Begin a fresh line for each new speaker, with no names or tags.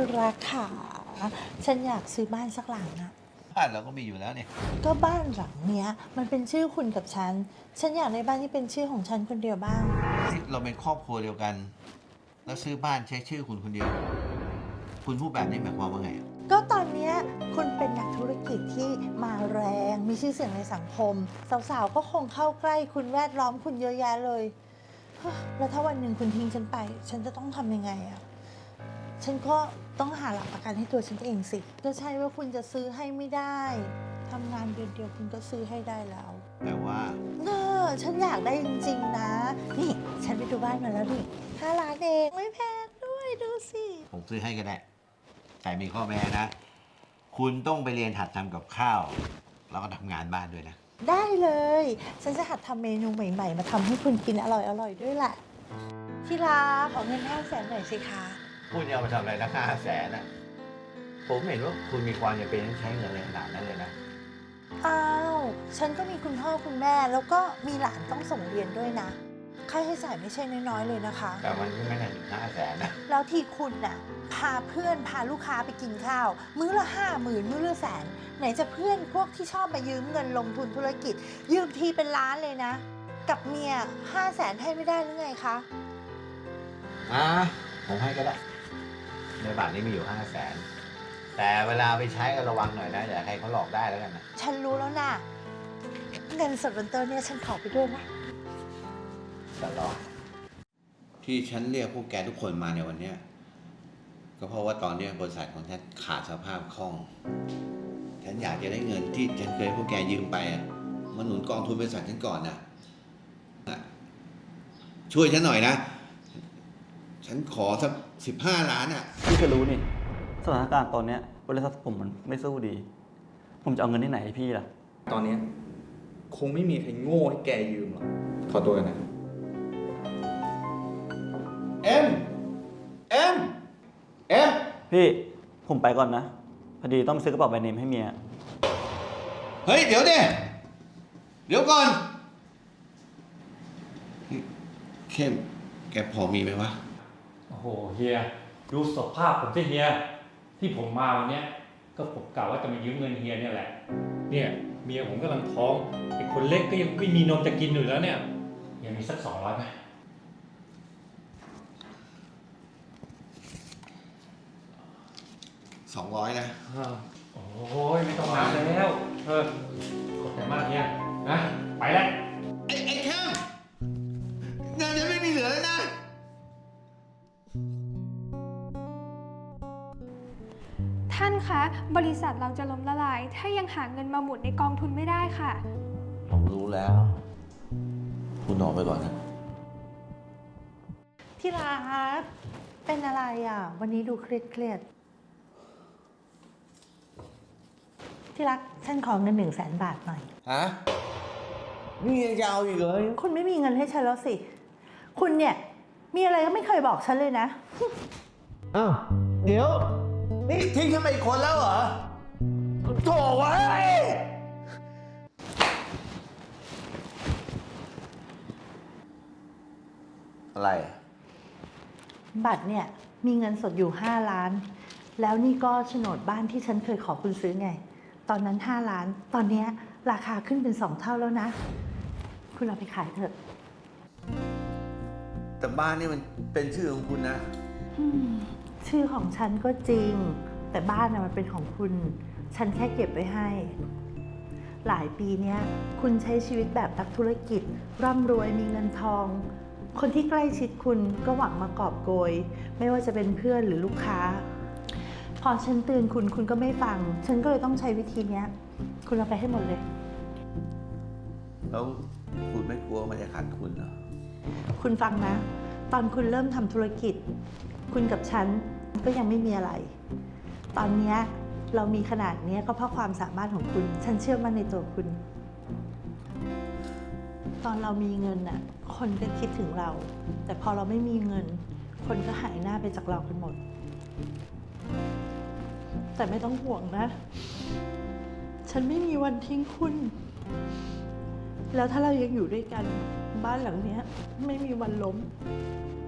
รักขาฉันอยากซื้อบ้านสักหลังอะ
บ้านเราก็มีอยู่แล้วเนี่ย
ก็บ้านหลังเนี้ยมันเป็นชื่อคุณกับฉันอยากได้บ้านที่เป็นชื่อของฉันคนเดียวบ้าง
เราเป็นครอบครัวเดียวกัน แล้วซื้อบ้านใช้ชื่อคุณคนเดียว คุณพูดแบบนี้หมายความว่าไง
ก็ตอนเนี้ยคุณเป็นนักธุรกิจที่มาแรงมีชื่อเสียงในสังคมสาวๆก็คงเข้าใกล้คุณแวดล้อมคุณเยอะแยะเลยแล้วถ้าวันหนึ่งคุณทิ้งฉันไปฉันจะต้องทำยังไงอะฉันก็ต้องหาหลักประกันให้ตัวฉันเองสิก็ใช่ว่าคุณจะซื้อให้ไม่ได้ทำงานเดือนเดียวคุณก็ซื้อให้ได้แล้ว
แต่ว่า
ฉันอยากได้จริงๆนะนี่ฉันไปดูบ้านมาแล้วนี่5 ล้านเองไม่แพงด้วยดูสิ
ผมซื้อให้ก็ได้ แต่มีข้อแม้นะ คุณต้องไปเรียนหัดทำกับข้าว แล้วก็ทำงานบ้านด้วยนะ
ได้เลยฉันจะหัดทำเมนูใหม่ๆมาทำให้คุณกินอร่อยๆด้วยแหละที่รักขอเงิน500,000หน่อยสิคะ
คุณจะเอาไปทำอะไรนะ500,000นะผมเห็นว่าคุณมีความจำเป็นต้องใช้เงินในขนาดนั้นเลยนะ
อ้าวฉันก็มีคุณพ่อคุณแม่แล้วก็มีหลานต้องส่งเรียนด้วยนะค่าใช้จ่ายไม่ใช่น้อยๆเลยนะคะ
แต่มันไม่ได้ถึง500,000นะ
แล้วที่คุณน่ะพาเพื่อนพาลูกค้าไปกินข้าวมื้อละ50,000มื้อละ100,000ไหนจะเพื่อนพวกที่ชอบมายืมเงินลงทุนธุรกิจยืมทีเป็นล้านเลยนะกับเมีย500,000ให้ไม่ได้หรือไงคะ
ผมให้ก็ได้ในบัตรนี้มีอยู่500,000แต่เวลาไปใช้ก็ระวังหน่อยนะอย่าให้เขาหลอกได้แล้วกันนะ
ฉันรู้แล้วนะเงินสดบนโต๊ะเนี่ยฉันขอไปด้วยนะ
ตลอดที่ฉันเรียกพวกแกทุกคนมาในวันนี้ก็เพราะว่าตอนนี้บริษัทของฉันขาดสภาพคล่องฉันอยากจะได้เงินที่ฉันเคยพวกแกยืมไปมาหนุนกองทุนบริษัทฉันก่อนนะช่วยฉันหน่อยนะฉันขอสัก15 ล้าน
พี่ก็รู้นี่สถานการณ์ตอนนี้บริษัทผมมันไม่สู้ดีผมจะเอาเงินที่ไหนให้พี่ล่ะ
ตอนนี้คงไม่มีใครโง่ให้แกยืมหรอกขอตัวกันนะ
เอ็ม
พี่ผมไปก่อนนะพอดีต้องไปซื้อกระเป๋าแบรนด์เนมให้เมีย
เฮ้ยเดี๋ยวก่อนเข้มแกพอมีไหมวะ
โอ้โหเฮียดูสภาพผมสิเฮียที่ผมมาวันนี้ก็ผมกะว่าจะมายืมเงินเฮียเนี่ยแหละเนี่ยเมียผมกำลังท้องไอ้คนเล็กก็ยังไม่มีนมจะกินอยู่แล้วเนี่ยยังมีสัก200ไหม
200นะ
โอ้ยไม่ต้องมาแล้วขอบใจมากเฮียนะไปแล้ว
ไอ้เข้มเงินจะไม่มีเหลือแล้วนะ
ท่านคะบริษัทเราจะล้มละลายถ้ายังหาเงินมาหมุนในกองทุนไม่ได้ค่ะ
ผมรู้แล้ว คุณออกไปก่อนนะ
ที่รักเป็นอะไรอ่ะวันนี้ดูเครียดที่รักฉันขอเงิน100,000 บาทหน่อย
ฮะนี่ยังจะเอาอีกเลย
คุณไม่มีเงินให้ฉันแล้วสิคุณเนี่ยมีอะไรก็ไม่เคยบอกฉันเลยนะ
อ้าวเดี๋ยวนี่ทิ้งฉันไปอีกคนแล้วเหรอโถ่ไว้อะไร
บัตรเนี่ยมีเงินสดอยู่5 ล้านแล้วนี่ก็โฉนดบ้านที่ฉันเคยขอคุณซื้อไงตอนนั้น5 ล้านตอนนี้ราคาขึ้นเป็น2 เท่าแล้วนะคุณเอาไปขายเถอะ
แต่บ้านนี่มันเป็นชื่อของคุณนะ
ชื่อของฉันก็จริงแต่บ้านมันเป็นของคุณฉันแค่เก็บไว้ให้หลายปีเนี้ยคุณใช้ชีวิตแบบนักธุรกิจร่ำรวยมีเงินทองคนที่ใกล้ชิดคุณก็หวังมากอบโกยไม่ว่าจะเป็นเพื่อนหรือลูกค้าพอฉันเตือนคุณก็ไม่ฟังฉันก็เลยต้องใช้วิธีเนี้ยคุณเอาไปให้หมดเลย
แล้วคุณไม่กลัวมันจะขาดทุนเหรอ
คุณฟังนะตอนคุณเริ่มทำธุรกิจคุณกับฉันก็ยังไม่มีอะไรตอนนี้เรามีขนาดนี้ก็เพราะความสามารถของคุณฉันเชื่อมั่นในตัวคุณตอนเรามีเงินน่ะคนก็คิดถึงเราแต่พอเราไม่มีเงินคนก็หายหน้าไปจากเรากันหมดแต่ไม่ต้องห่วงนะฉันไม่มีวันทิ้งคุณแล้วถ้าเรายังอยู่ด้วยกันบ้านหลังนี้ไม่มีวันล้ม